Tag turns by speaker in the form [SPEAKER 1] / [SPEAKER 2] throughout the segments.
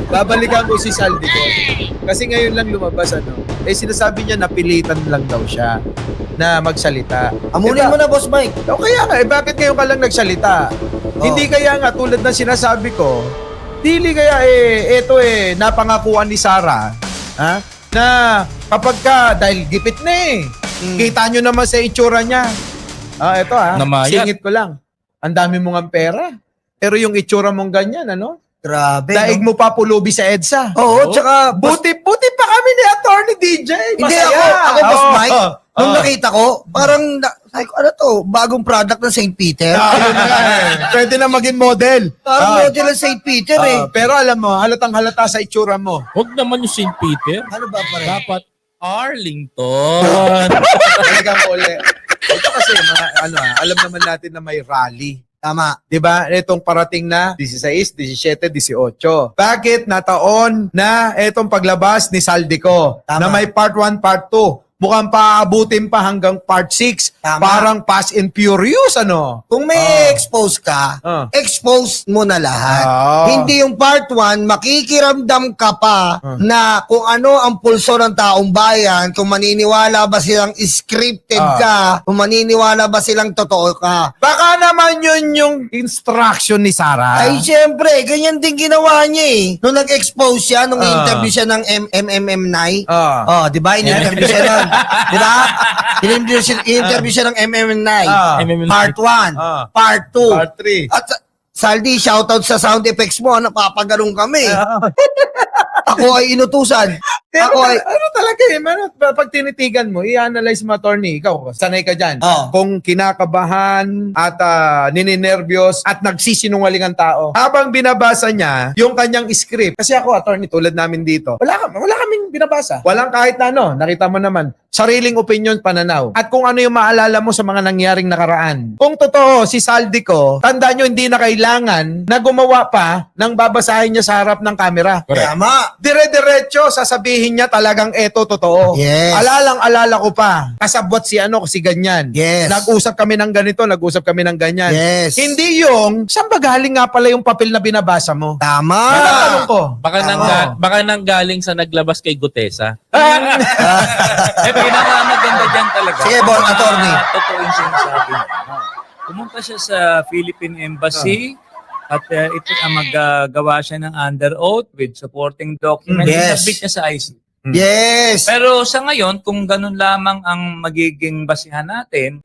[SPEAKER 1] babalikan ko si Saldi ko. Kasi ngayon lang lumabas, sinasabi niya napilitan lang daw siya na magsalita.
[SPEAKER 2] Amunin mo na, Boss Mike.
[SPEAKER 1] O kaya nga, bakit ngayon ka lang nagsalita? Hindi kaya nga, tulad ng sinasabi ko, dili kaya napangakuan ni Sarah, na kapag ka, dahil gipit na kita nyo naman sa itsura niya. Ito
[SPEAKER 3] Namayat.
[SPEAKER 1] singit ko lang. Ang dami mong ang pera. Pero yung itsura mong ganyan,
[SPEAKER 2] Grabe.
[SPEAKER 1] daig mo pa pulubi sa EDSA.
[SPEAKER 2] Oo, tsaka...
[SPEAKER 1] Buti pa kami ni Attorney DJ.
[SPEAKER 2] Hindi
[SPEAKER 1] Masaya.
[SPEAKER 2] ako Boss Mike, nung nakita ko, parang, sabi ko, ano to, bagong product ng St. Peter?
[SPEAKER 1] Ayun na Pwede na maging model.
[SPEAKER 2] Parang model ng St. Peter
[SPEAKER 1] Pero alam mo, halatang halata sa itsura mo.
[SPEAKER 3] Huwag naman yung St. Peter.
[SPEAKER 2] Ano ba pare?
[SPEAKER 3] Dapat Arlington.
[SPEAKER 1] Talagang uli. Ito kasi, alam naman natin na may rally.
[SPEAKER 2] Tama.
[SPEAKER 1] Diba? Itong parating na 16, 17, 18. Bakit nataon na itong paglabas ni Saldico
[SPEAKER 2] Tama.
[SPEAKER 1] na may part 1, part 2? Mukhang paabutin pa hanggang part 6.
[SPEAKER 2] Tama.
[SPEAKER 1] Parang Fast and Furious,
[SPEAKER 2] Kung may expose ka, expose mo na lahat. Hindi yung part 1, makikiramdam ka pa na kung ano ang pulso ng taong bayan, kung maniniwala ba silang scripted ka, kung maniniwala ba silang totoo ka.
[SPEAKER 1] Baka naman yun yung instruction ni Sarah.
[SPEAKER 2] Ay, syempre, ganyan din ginawa niya Nung nag-expose siya, nung interview siya ng MMM9. Di ba? In-interview siya nun. Di ba? In-interview siya ng MMM9. Part 1. Part 2.
[SPEAKER 1] Part 3.
[SPEAKER 2] At Saldi, shoutout sa sound effects mo. Napapagalong kami. Ako ay inutusan.
[SPEAKER 1] Pero
[SPEAKER 2] Ako ay...
[SPEAKER 1] ano talaga pag tinitigan mo, i-analyze mo, attorney, ikaw, sanay ka dyan. Kung kinakabahan at nininervyos at nagsisinungaling ang tao. Habang binabasa niya yung kanyang script, kasi ako, attorney, tulad namin dito, wala kaming binabasa. Walang kahit na nakita mo naman, sariling opinion, pananaw. At kung ano yung maalala mo sa mga nangyaring nakaraan. Kung totoo, si Saldico, tanda nyo, hindi na kailangan na gumawa pa ng babasahin niya sa harap ng camera.
[SPEAKER 2] Tama.
[SPEAKER 1] Dire-diretso, sasabihin niya talagang eto totoo.
[SPEAKER 2] Yes.
[SPEAKER 1] Alala ko pa. Kasabwat si ganyan.
[SPEAKER 2] Yes.
[SPEAKER 1] Nag-usap kami ng ganito, nag-usap kami ng ganyan.
[SPEAKER 2] Yes.
[SPEAKER 1] Hindi yung, saan ba galing nga pala yung papel na binabasa mo?
[SPEAKER 2] Tama.
[SPEAKER 1] Tanong ko.
[SPEAKER 3] Baka nang galing sa naglabas kay Gutesa. Pinakamaganda dyan talaga.
[SPEAKER 2] Sige, Bon, attorney.
[SPEAKER 4] Totoo yung sinasabi niya. Pumunta siya sa Philippine Embassy at ito maggagawa siya ng under oath with supporting documents.
[SPEAKER 2] Yes.
[SPEAKER 4] Submit niya sa ICC.
[SPEAKER 2] Yes.
[SPEAKER 4] Pero sa ngayon, kung ganun lamang ang magiging basihan natin,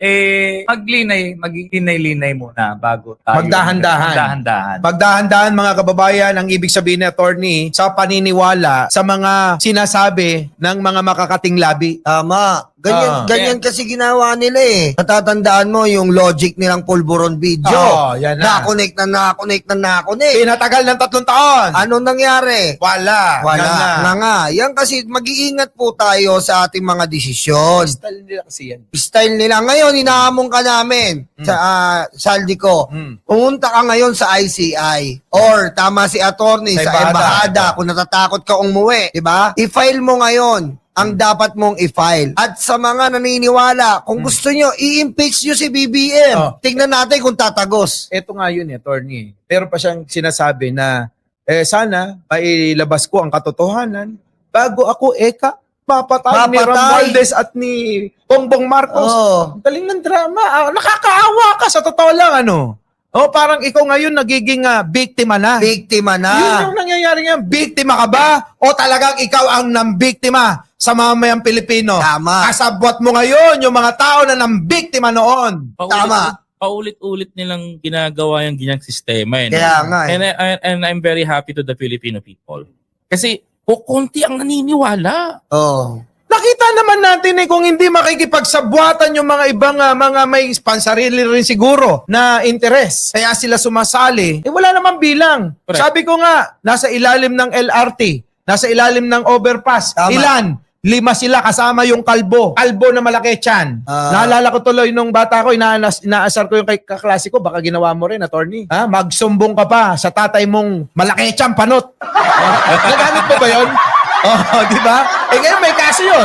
[SPEAKER 4] maglinay-linay muna bago tayo.
[SPEAKER 1] Magdahan-dahan. Magdahan-dahan, mga kababayan, ang ibig sabihin ni attorney sa paniniwala sa mga sinasabi ng mga makakating labi.
[SPEAKER 2] Tama. Ganyan kasi ginawa nila Natatandaan mo yung logic nilang pulburon video.
[SPEAKER 1] Yan na.
[SPEAKER 2] Nakonek.
[SPEAKER 1] Pinatagal ng 3 taon.
[SPEAKER 2] Anong nangyari?
[SPEAKER 1] Wala.
[SPEAKER 2] Na nga. Yan kasi mag-iingat po tayo sa ating mga desisyon.
[SPEAKER 1] Style nila kasi yan.
[SPEAKER 2] Style nila. Ngayon, inaamong ka namin sa Saldico. Pumunta ka ngayon sa ICI or tama si attorney sa embahada kung natatakot ka umuwi. Diba? I-file mo ngayon ang dapat mong i-file. At sa mga naniniwala, kung gusto nyo, i-impeach nyo si BBM. Tingnan natin kung tatagos.
[SPEAKER 1] Ito nga yun, attorney. Pero pa siyang sinasabi na sana mailabas ko ang katotohanan bago ako mapatay ni Romualdez at ni Bongbong Marcos. Ang galing ng drama. Nakakaawa ka sa totoo lang, parang ikaw ngayon nagiging biktima na.
[SPEAKER 2] Biktima na.
[SPEAKER 1] Yun yung nangyayari ngayon. Biktima ka ba? O talagang ikaw ang nambiktima sa mamayang Pilipino?
[SPEAKER 2] Tama.
[SPEAKER 1] Kasabwat mo ngayon yung mga tao na nambiktima noon.
[SPEAKER 2] Tama.
[SPEAKER 3] Paulit-ulit nilang ginagawa yung ganyang sistema.
[SPEAKER 2] Kaya nga.
[SPEAKER 3] And I'm very happy to the Filipino people. Kasi kukunti ang naniniwala.
[SPEAKER 1] Nakita naman natin kung hindi makikipagsabwatan yung mga ibang mga may pansarili rin siguro na interes. Kaya sila sumasali. Wala namang bilang.
[SPEAKER 3] Correct.
[SPEAKER 1] Sabi ko nga, nasa ilalim ng LRT, nasa ilalim ng overpass.
[SPEAKER 2] Tama.
[SPEAKER 1] Ilan? 5 sila kasama yung kalbo. Kalbo na malaki tiyan. Naalala ko tuloy nung bata ko, inaasar ko yung kaklase ko, baka ginawa mo rin, attorney. Magsumbong ka pa sa tatay mong malaki tiyan, panot. Nagamit mo ba yun? Di ba? Ngayon may kaso yun.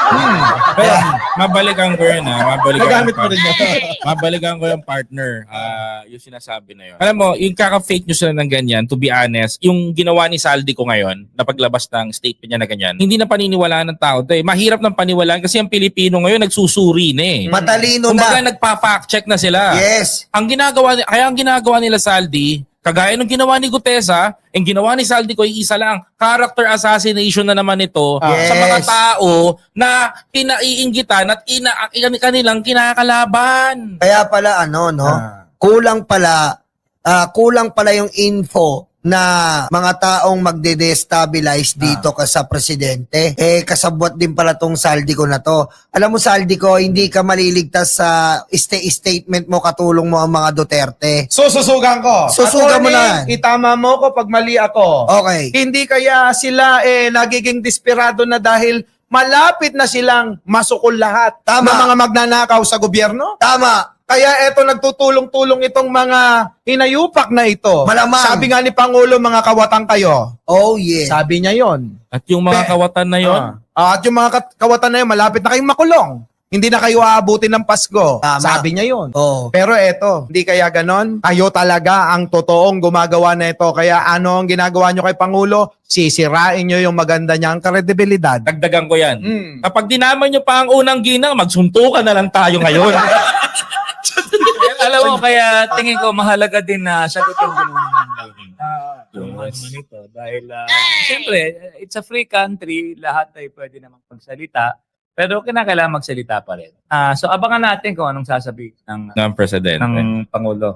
[SPEAKER 3] Pero mabalikan ko yun
[SPEAKER 1] Nagamit mo rin yun.
[SPEAKER 3] Mabalikan ko yung partner. Yung sinasabi na yun. Alam mo, yung kaka-fake news na ng ganyan, to be honest, yung ginawa ni Saldi ko ngayon, na paglabas ng statement niya na ganyan, hindi na paniniwalaan ng tao. Mahirap ng paniwalaan kasi ang Pilipino ngayon nagsusuri na eh.
[SPEAKER 2] Matalino
[SPEAKER 3] Kumbaga
[SPEAKER 2] na.
[SPEAKER 3] nagpa-fact check na sila.
[SPEAKER 2] Yes.
[SPEAKER 3] Ang ginagawa nila Saldi, kagaya ng ginawa ni Gutesa, ang ginawa ni Saldi ko ay isa lang, character assassination na naman ito
[SPEAKER 2] Yes.
[SPEAKER 3] sa mga tao na pinaiinggitan at kanilang kinakalaban.
[SPEAKER 2] Kaya pala kulang pala yung info na mga taong magde-destabilize dito ka sa presidente. Kasabwat din pala tong Saldi ko na to. Alam mo, Saldi ko, hindi ka maliligtas sa statement mo, katulong mo ang mga Duterte.
[SPEAKER 1] Sususugan ko.
[SPEAKER 2] Susugan mo na.
[SPEAKER 1] Itama mo ko pag mali ako.
[SPEAKER 2] Okay.
[SPEAKER 1] Hindi kaya sila nagiging desperado na dahil malapit na silang masukol lahat
[SPEAKER 2] Tama.
[SPEAKER 1] ng mga magnanakaw sa gobyerno?
[SPEAKER 2] Tama.
[SPEAKER 1] Kaya eto nagtutulong-tulong itong mga hinayupak na ito.
[SPEAKER 2] Malamang.
[SPEAKER 1] Sabi nga ni Pangulo, mga kawatan kayo.
[SPEAKER 2] Oh, yeah.
[SPEAKER 1] Sabi niya yon.
[SPEAKER 3] At yung mga kawatan na yon,
[SPEAKER 1] At yung mga kawatan na yun, malapit na kayong makulong. Hindi na kayo aabutin ng Pasko.
[SPEAKER 2] Tama.
[SPEAKER 1] Sabi niya yon.
[SPEAKER 2] Oh.
[SPEAKER 1] Pero eto, hindi kaya ganon? Kayo talaga ang totoong gumagawa na ito. Kaya ano ang ginagawa nyo kay Pangulo? Sisirain nyo yung maganda niyang kredibilidad.
[SPEAKER 3] dagdagan ko yan.
[SPEAKER 1] Mm.
[SPEAKER 3] Kapag dinaman nyo pa ang unang ginang, magsuntukan na lang tayo ngayon.
[SPEAKER 4] Alam mo, kaya tingin ko mahalaga din na sagutin ko yung nito. Dahil, siyempre, it's a free country. Lahat ay pwede namang magsalita. Pero kinakailangan magsalita pa rin. So, abangan natin kung anong sasabihin ng
[SPEAKER 3] ng presidente.
[SPEAKER 4] Pangulo.